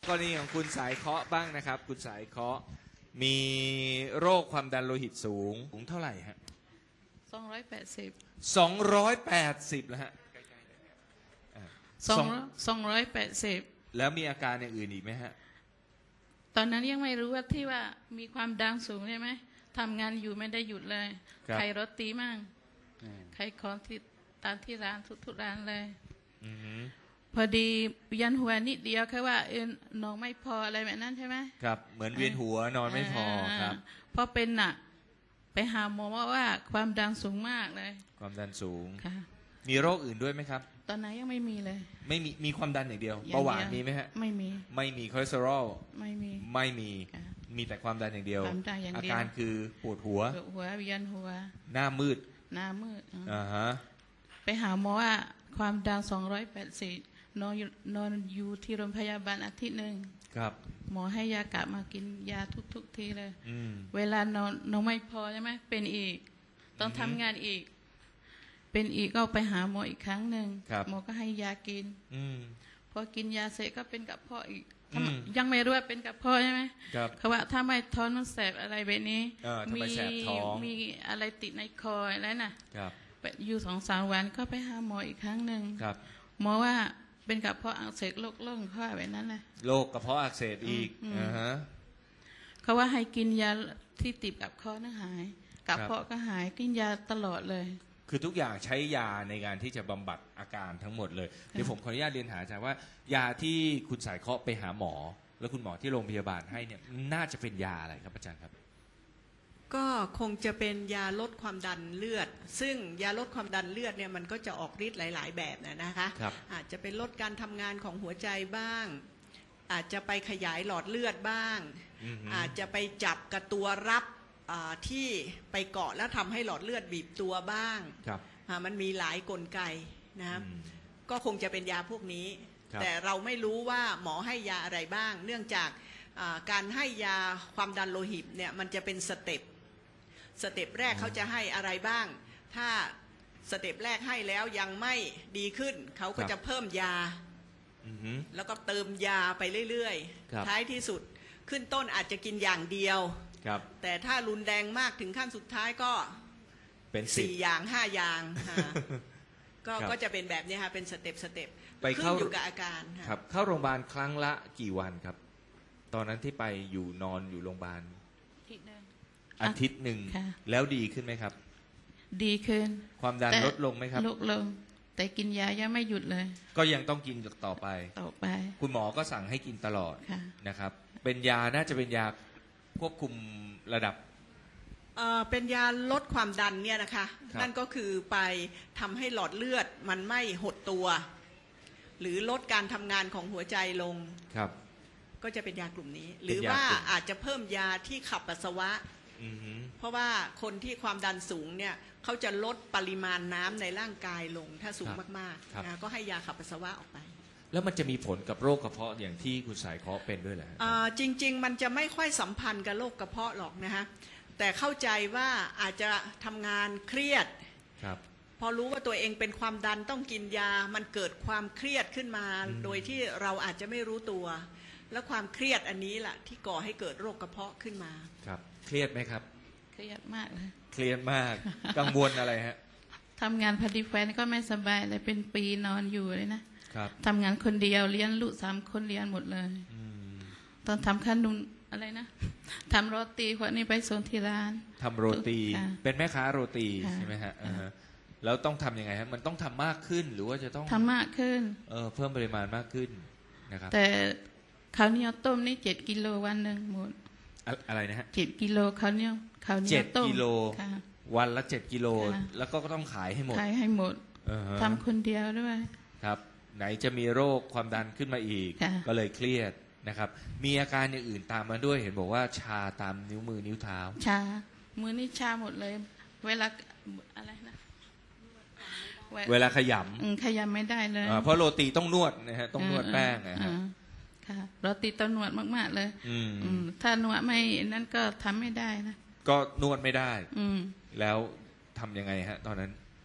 กรณีของคุณสายเคาะบ้างนะครับคุณสายเคาะมีโรคความดันโลหิตสูงเท่าไหร่ฮะ 280 280แล้วฮะ 280 แล้วมีอาการอย่างอื่นอีกไหมฮะตอนนั้นยังไม่รู้ว่าที่ว่ามีความดันสูงใช่ไหมทำงานอยู่ไม่ได้หยุดเลยใครรถตีมั่งใครของที่ตามที่ร้านทุกร้านเลยพอดียันหัวนิดเดียวแค่ว่าน้องไม่พออะไรแบบนั้นใช่ไหมครับเหมือนเวียนหัวนอนไม่พอครับพอเป็นหนักไปหาหมอว่าความดันสูงมากเลยความดันสูงค่ะมีโรคอื่นด้วยไหมครับตอนนั้นยังไม่มีเลยไม่มีความดันอย่างเดียวเบาหวานมีไหมฮะไม่มีคอเลสเตอรอลไม่มีแต่ความดันอย่างเดียวอาการคือปวดหัวเวียนหัวหน้ามืดฮะไปหาหมอว่าความดัน280นอนอยู่ที่โรงพยาบาลอาทิตย์หนึ่งครับหมอให้ยากะมากินยาทุกทีเลยเวลานอนไม่พอใช่ไหมเป็นอีกต้องทำงานอีกเป็นอีกก็ไปหาหมออีกครั้งหนึ่งหมอก็ให้ยากินพอกินยาเสร็จก็เป็นกระเพาะอีกยังไม่รู้ว่าเป็นกระเพาะใช่ไหมเขาว่าถ้าไม่ท้องมันแสบอะไรแบบนี้มีอะไรติดในคออะไรน่ะอยู่2-3 วันก็ไปหาหมออีกครั้งหนึ่งหมอว่าเป็นกระเพาะอักเสบโรคล่องข้อแบบนั้นเลยโรคกระเพาะอักเสบอีกเขาว่าให้กินยาที่ติดกับคอนั่นหายกระเพาะก็หายกินยาตลอดเลยคือทุกอย่างใช้ยาในการที่จะบำบัดอาการทั้งหมดเลยเดี๋ยวผมขออนุญาตเรียนหาอาจารย์ว่ายาที่คุณสายเคาะไปหาหมอแล้วคุณหมอที่โรงพยาบาลให้เนี่ยน่าจะเป็นยาอะไรครับอาจารย์ครับก็คงจะเป็นยาลดความดันเลือดซึ่งยาลดความดันเลือดเนี่ยมันก็จะออกฤทธิ์หลายๆแบบนะคะอาจจะเป็นลดการทำงานของหัวใจบ้างอาจจะไปขยายหลอดเลือดบ้างอาจจะไปจับกับตัวรับที่ไปเกาะแล้วทำให้หลอดเลือดบีบตัวบ้างมันมีหลายกลไกนะก็คงจะเป็นยาพวกนี้แต่เราไม่รู้ว่าหมอให้ยาอะไรบ้างเนื่องจากการให้ยาความดันโลหิตเนี่ยมันจะเป็นสเต็ปแรกเขาจะให้อะไรบ้างถ้าสเต็ปแรกให้แล้วยังไม่ดีขึ้นเขาก็จะเพิ่มยาแล้วก็เติมยาไปเรื่อยๆท้ายที่สุดขึ้นต้นอาจจะกินอย่างเดียวแต่ถ้ารุนแรงมากถึงขั้นสุดท้ายก็เป็น 4 อย่าง 5 อย่างก็จะเป็นแบบนี้ค่ะเป็นสเต็ปไปเข้าอยู่กับอาการครับเข้าโรงพยาบาลครั้งละกี่วันครับตอนนั้นที่ไปอยู่นอนอยู่โรงพยาบาลอาทิตย์หนึ่งแล้วดีขึ้นไหมครับดีขึ้นความดันลดลงไหมครับลดลงแต่กินยายังไม่หยุดเลยก็ยังต้องกินต่อไปคุณหมอก็สั่งให้กินตลอดนะครับเป็นยาน่าจะเป็นยาควบคุมระดับเป็นยาลดความดันเนี่ยนะคะนั่นก็คือไปทำให้หลอดเลือดมันไม่หดตัวหรือลดการทำงานของหัวใจลงก็จะเป็นยากลุ่มนี้หรือว่าอาจจะเพิ่มยาที่ขับปัสสาวะเพราะว่าคนที่ความดันสูงเนี่ยเขาจะลดปริมาณน้ำในร่างกายลงถ้าสูงมากๆนะก็ให้ยาขับปัสสาวะออกไปแล้วมันจะมีผลกับโรคกระเพาะอย่างที่คุณสายเคาะเป็นด้วยเหรอจริงๆมันจะไม่ค่อยสัมพันธ์กับโรคกระเพาะหรอกนะฮะแต่เข้าใจว่าอาจจะทำงานเครียดพอรู้ว่าตัวเองเป็นความดันต้องกินยามันเกิดความเครียดขึ้นมาโดยที่เราอาจจะไม่รู้ตัวแล้วความเครียดอันนี้แหละที่ก่อให้เกิดโรคกระเพาะขึ้นมาครับเครียดไหมครับเครียดมากเลยเครียดมากกังวลอะไรฮะทำงานพอดีแฟนก็ไม่สบายเลยเป็นปีนอนอยู่เลยนะครับทำงานคนเดียวเลี้ยงลูก3 คนเลี้ยงหมดเลยตอนทำขนมอะไรนะทำโรตีคนนี้ไปส่งที่ร้านทำโรตีเป็นแม่ค้าโรตีใช่ไหมฮะแล้วต้องทำยังไงฮะมันต้องทำมากขึ้นหรือว่าจะต้องทำมากขึ้นเพิ่มปริมาณมากขึ้นนะครับแต่ข้าวเหนียวต้มนี่7 กิโลวันหนึ่งหมดอะไรนะฮะ 7 กิโลข้าวเหนียวต้ม 7 กิโลวันละ7 กิโลแล้วก็ต้องขายให้หมดทำคนเดียวด้วยครับไหนจะมีโรคความดันขึ้นมาอีกก็เลยเครียดนะครับมีอาการอย่างอื่นตามมาด้วยเห็นบอกว่าชาตามนิ้วมือนิ้วเท้าชามือนี่ชาหมดเลยเวลาอะไรนะเวลาขยำไม่ได้เลยเพราะโรตีต้องนวดนะฮะต้องนวดแป้งนะฮะค่ะโรตีต้องนวดมากๆเลยถ้านวดไม่นั่นก็ทำไม่ได้นะก็นวดไม่ได้แล้วทำยังไงฮะตอนนั้น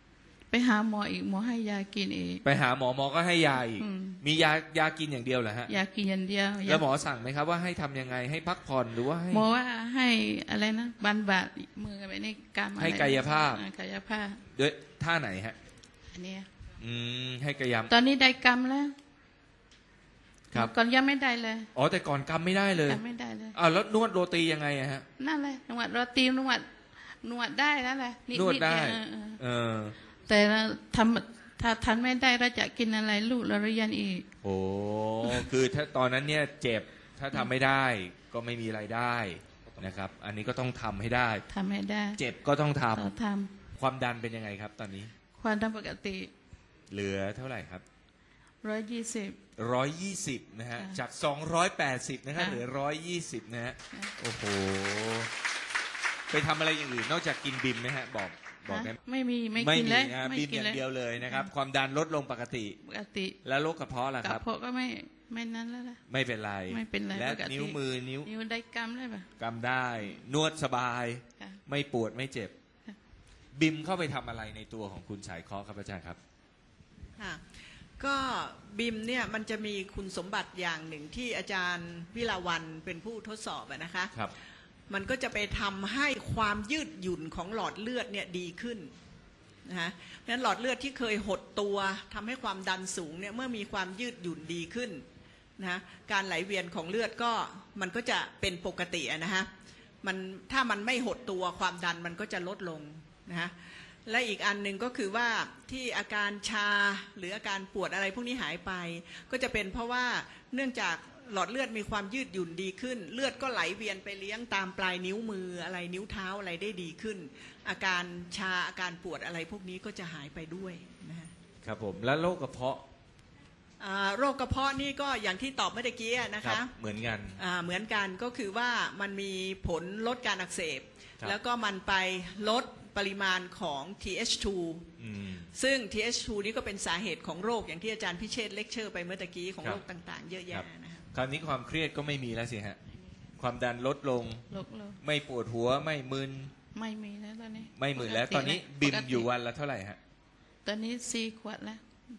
ไปหาหมออีกหมอให้ยากินอีกไปหาหมอก็ให้ยาอีกมียากินอย่างเดียวเหรอฮะยากินอย่างเดียวแล้วหมอสั่งไหมครับว่าให้ทำยังไงให้พักผ่อนหรือว่าให้หมอว่าให้อะไรนะบันบาดมือไปในกรรมให้กายภาพด้วยท่าไหนฮะอันนี้ให้กายภาพตอนนี้ได้กรรมแล้วครับก่อนยังไม่ได้เลยอ๋อแต่ก่อนกรรมไม่ได้เลยไม่ได้เลยแล้วนวดโรตียังไงฮะนั่นเลยนวดโรตีนวดได้แล้วแหละนวดได้แต่ถ้าทันไม่ได้เราจะกินอะไรลูกเราเรียนอีกโอ้คือถ้าตอนนั้นเนี่ยเจ็บถ้าทำไม่ได้ก็ไม่มีรายได้นะครับอันนี้ก็ต้องทำให้ได้เจ็บก็ต้องทำความดันเป็นยังไงครับตอนนี้ความดันปกติเหลือเท่าไหร่ครับ 120 นะฮะจาก280นะครับเหลือ120นะฮะโอ้โหไปทำอะไรอย่างอื่นนอกจากกินบิมไหมฮะบอกได้ไม่กินเลยบิมอย่างเดียวเลยนะครับความดันลดลงปกติแล้วโรคกระเพาะล่ะครับกระเพาะก็ไม่นั้นแล้วล่ะไม่เป็นไรและนิ้วมือนิ้วได้กำได้ปะกำได้นวดสบายไม่ปวดไม่เจ็บบิมเข้าไปทำอะไรในตัวของคุณสายเคาะครับอาจารย์ครับก็บิมเนี่ยมันจะมีคุณสมบัติอย่างหนึ่งที่อาจารย์วิลาวันเป็นผู้ทดสอบนะคะมันก็จะไปทำให้ความยืดหยุ่นของหลอดเลือดเนี่ยดีขึ้นนะเพราะฉะนั้นหลอดเลือดที่เคยหดตัวทำให้ความดันสูงเนี่ยเมื่อมีความยืดหยุ่นดีขึ้นนะการไหลเวียนของเลือดก็มันก็จะเป็นปกตินะฮะถ้ามันไม่หดตัวความดันมันก็จะลดลงนะและอีกอันหนึ่งก็คือว่าที่อาการชาหรืออาการปวดอะไรพวกนี้หายไปก็จะเป็นเพราะว่าเนื่องจากหลอดเลือดมีความยืดหยุ่นดีขึ้นเลือดก็ไหลเวียนไปเลี้ยงตามปลายนิ้วมืออะไรนิ้วเท้าอะไรได้ดีขึ้นอาการชาอาการปวดอะไรพวกนี้ก็จะหายไปด้วยนะครับผมแล้วโรคกระเพาะโรคกระเพาะนี่ก็อย่างที่ตอบเมื่อกี้นะคะเหมือนกันก็คือว่ามันมีผลลดการอักเสบแล้วก็มันไปลดปริมาณของ TH2 ซึ่ง TH2 นี่ก็เป็นสาเหตุของโรคอย่างที่อาจารย์พิเชษฐ์เลคเชอร์ไปเมื่อกี้ของโรคต่างๆเยอะแยะนะครับคราวนี้ความเครียดก็ไม่มีแล้วสิฮะความดันลดลงไม่ปวดหัวไม่มึนไม่มีแล้วตอนนี้ไม่มึนแล้วตอนนี้บิมอยู่วันละเท่าไหร่ฮะตอนนี้4 ขวดแล้ว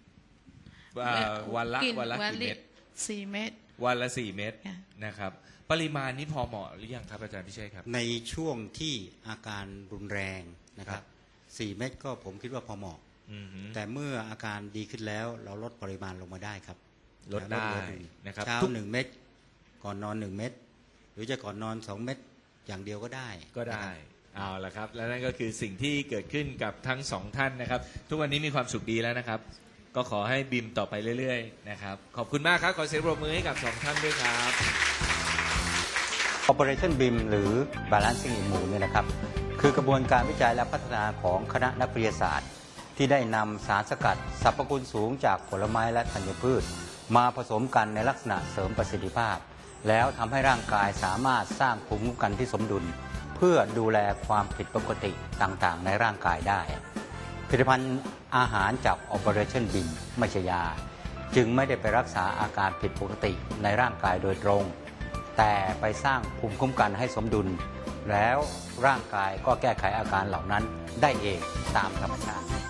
วันละกี่เม็ด 4 เม็ดวันละ4 เม็ดนะครับปริมาณนี้พอเหมาะหรือยังครับอาจารย์พิเชษครับในช่วงที่อาการรุนแรงนะครับ4 เม็ดก็ผมคิดว่าพอเหมาะแต่เมื่ออาการดีขึ้นแล้วเราลดปริมาณลงมาได้ครับลดได้นะครับเช้า1 เม็ดก่อนนอน1 เม็ดหรือจะก่อนนอน2 เม็ดอย่างเดียวก็ได้เอาละครับและนั่นก็คือสิ่งที่เกิดขึ้นกับทั้ง2ท่านนะครับทุกวันนี้มีความสุขดีแล้วนะครับก็ขอให้บิมต่อไปเรื่อยๆนะครับขอบคุณมากครับขอเสียงปรบมือให้กับ2ท่านด้วยครับ Operation BIM หรือ Balancing Immune เนี่ยนะครับคือกระบวนการวิจัยและพัฒนาของคณะนักวิทยาศาสตร์ที่ได้นำสารสกัดสรรพคุณสูงจากผลไม้และธัญพืชมาผสมกันในลักษณะเสริมประสิทธิภาพแล้วทำให้ร่างกายสามารถสร้างภูมิคุ้มกันที่สมดุลเพื่อดูแลความผิดปกติต่างๆในร่างกายได้ผลิตภัณฑ์อาหารจาก Operation BIM ไม่ใช่ยาจึงไม่ได้ไปรักษาอาการผิดปกติในร่างกายโดยตรงแต่ไปสร้างภูมิคุ้มกันให้สมดุลแล้วร่างกายก็แก้ไขอาการเหล่านั้นได้เองตามธรรมชาติ